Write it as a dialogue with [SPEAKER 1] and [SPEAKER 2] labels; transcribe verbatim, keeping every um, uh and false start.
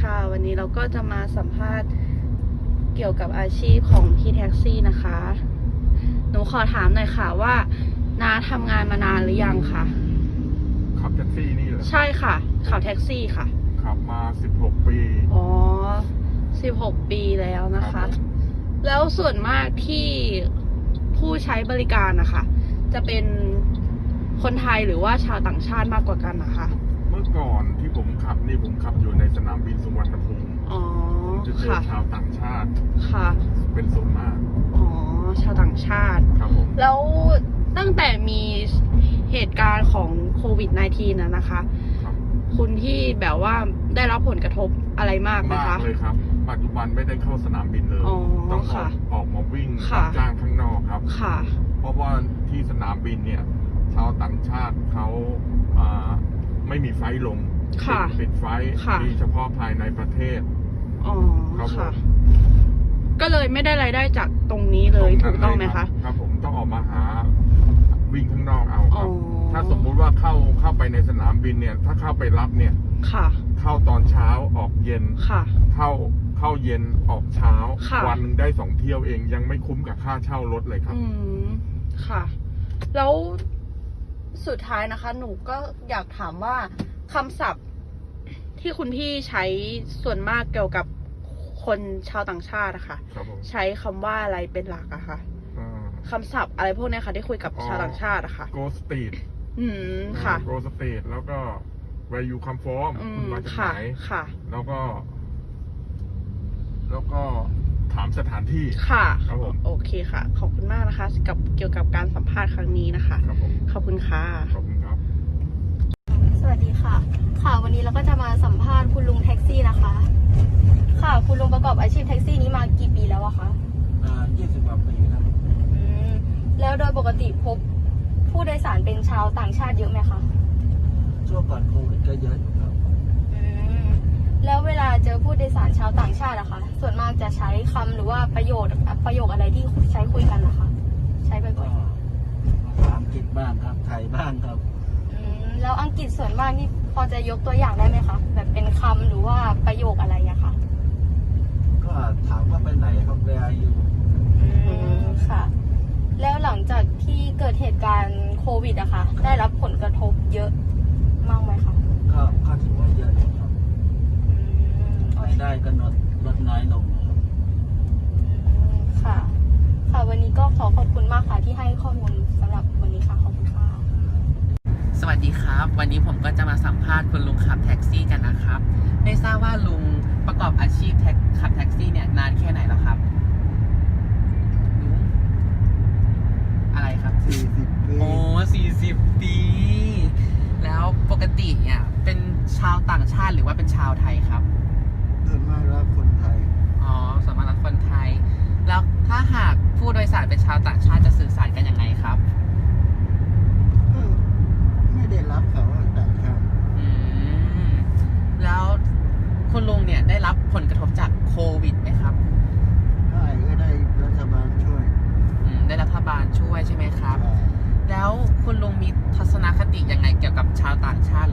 [SPEAKER 1] ค่ะวันนี้เราก็จะมาสัมภาษณ์เกี่ยวกับอาชีพของพี่แท็กซี่นะคะหนูขอถามหน่อยค่ะว่าน้าทำงานมานานหรือยังคะ
[SPEAKER 2] ขับแท็กซี่นี่เหรอ
[SPEAKER 1] ใช่ค่ะขับแท็กซี่ค่ะ
[SPEAKER 2] ขับมาสิบหกปี
[SPEAKER 1] อ๋อสิบหกปีแล้วนะคะแล้วส่วนมากที่ผู้ใช้บริการนะคะจะเป็นคนไทยหรือว่าชาวต่างชาติมากกว่ากันนะคะ
[SPEAKER 2] เมื่อก่อนที่ผมขับนี่ผมขับอยู่ในสนามบินสุวรรณภูมิ
[SPEAKER 1] อ๋อ
[SPEAKER 2] จะเจอชาวต่างชาติ
[SPEAKER 1] ค่ะ
[SPEAKER 2] เป็นส่วนมาก
[SPEAKER 1] อ๋อชาวต่างชาติ
[SPEAKER 2] ครับผม
[SPEAKER 1] แล้วตั้งแต่มีเหตุการณ์ของโควิด สิบเก้า นะนะคะคุณที่แบบว่าได้รับผลกระทบอะไรมากไหมคะ
[SPEAKER 2] มากเลยครับปัจจุบันไม่ได้เข้าสนามบินเลยต้องออกออกมาวิ่งรับจ้างข้างนอกครับ
[SPEAKER 1] ค่ะ
[SPEAKER 2] เพราะว่าที่สนามบินเนี่ยชาวต่างชาติเขาไม่มีไฟลงปิดไฟมีเฉพาะภายในประเทศ
[SPEAKER 1] อ๋อค่ะก็เลยไม่ได้รายได้จากตรงนี้เลยถูกต้องไหมคะ
[SPEAKER 2] ครับผมต้องออกมาหาวิ่งข้างนอกเอาครับถ้าสมมุติว่าเข้าเข้าไปในสนามบินเนี่ยถ้าเข้าไปรับเนี่ย
[SPEAKER 1] ค่ะ
[SPEAKER 2] เข้าตอนเช้าออกเย็น
[SPEAKER 1] ค่ะ
[SPEAKER 2] เข้าเข้าเย็นออกเช้าวันหนึ่งได้สองเที่ยวเองยังไม่คุ้มกับค่าเช่ารถเลยครับ
[SPEAKER 1] อืมค่ะแล้วสุดท้ายนะคะหนูก็อยากถามว่าคำศัพท์ที่คุณพี่ใช้ส่วนมากเกี่ยวกับคนชาวต่างชาติอะค่ะใช้คำว่าอะไรเป็นหลักอะคะคำศัพท์อะไรพวกนี้ค่ะที่คุยกับชาวต่างชาติอะค่ะ
[SPEAKER 2] go street
[SPEAKER 1] อืมค่ะ
[SPEAKER 2] go street แล้วก็ where you come from คุณมาจากไหน
[SPEAKER 1] ค่ะ
[SPEAKER 2] แล้วก็ แล้วก็ถามสถานที่
[SPEAKER 1] ค่ะ
[SPEAKER 2] ครับผม
[SPEAKER 1] โอเคค่ะขอบคุณมากนะคะกับเกี่ยวกับการสัมภาษณ์ครั้งนี้นะคะ
[SPEAKER 2] ครับผม
[SPEAKER 1] ขอบคุณค่ะ
[SPEAKER 2] ขอบคุณครับ
[SPEAKER 3] สวัสดีค่ะค่ะวันนี้เราก็จะมาสัมภาษณ์คุณลุงแท็กซี่นะคะค่ะคุณลุงประกอบอาชีพแท็กซี่นี้มากี่ปีแล้วอะคะ
[SPEAKER 4] อ่ายี่สิบกว่าปีครับ
[SPEAKER 3] อืมแล้วโดยปกติพบผู้โดยสารเป็นชาวต่างชาติเยอะไหมคะ
[SPEAKER 4] ช่วงก่อนโควิดก็เยอะอยู่ครับ
[SPEAKER 3] อืมแล้วเวลาเจอผู้โดยสารชาวต่างชาติอะคะส่วนมากจะใช้คำหรือว่าประโยชน์ประโยคอะไรที่ใช้คุยกันนะคะใช้บ่อย
[SPEAKER 4] ๆภาษาอังกฤษบ้างครับไทยบ้างครับ
[SPEAKER 3] อืมแล้วอังกฤษส่วนมากนี่พอจะยกตัวอย่างได้ไหมคะแบบเป็นคำหรือว่าประโยคอะไรอะคะ
[SPEAKER 4] ก็ถามว่าไปไหนครับเวลาอยู่
[SPEAKER 3] อืมค่ะแล้วหลังจากที่เกิดเหตุการณ์โควิดอะคะได้รับผลกระทบเยอะมากไหมคะ
[SPEAKER 4] ก็ก็ถือว่าเยอะครับรายได้ก็ลดลดน้อยลงครับ
[SPEAKER 3] ค่ะค่ะวันนี้ก็ขอขอบคุณมากค่ะที่ให้ข้อมูลสำหรับวันนี้ค่ะขอบคุณค่ะ
[SPEAKER 5] สวัสดีครับวันนี้ผมก็จะมาสัมภาษณ์คุณลุงขับแท็กซี่กันนะครับไม่ทราบว่าลุงประกอบอาชีพแท็กขับแท็กซี่เนี่ยนานแค่ไหนแล้วครับลุงอะไรครับ
[SPEAKER 4] สี่สิบปี
[SPEAKER 5] โอ้สี่สิบปีแล้วปกติเนี่ยเป็นชาวต่างชาติหรือว่าเป็นชาวไทยครับ
[SPEAKER 4] ส่วนมากแล้วคนไทย
[SPEAKER 5] อ๋อส่วนมากแล้วคนไทยแล้วถ้าหากผู้โดยสารเป็นชาวต่างชาติจะสื่อสารกันยังไงครับ
[SPEAKER 4] ไม่ได้รับเขาต่างชาติ
[SPEAKER 5] อืมแล้วคุณลุงเนี่ยได้รับผลกระทบจากโควิดไหมครับ
[SPEAKER 4] ได้ก็ได้รัฐบาลช่วย
[SPEAKER 5] อืมได้รัฐบาลช่วยใช่ไหมครับแล้วคุณลุงมีทัศนคติยังไงเกี่ยวกับชาวต่างชาติ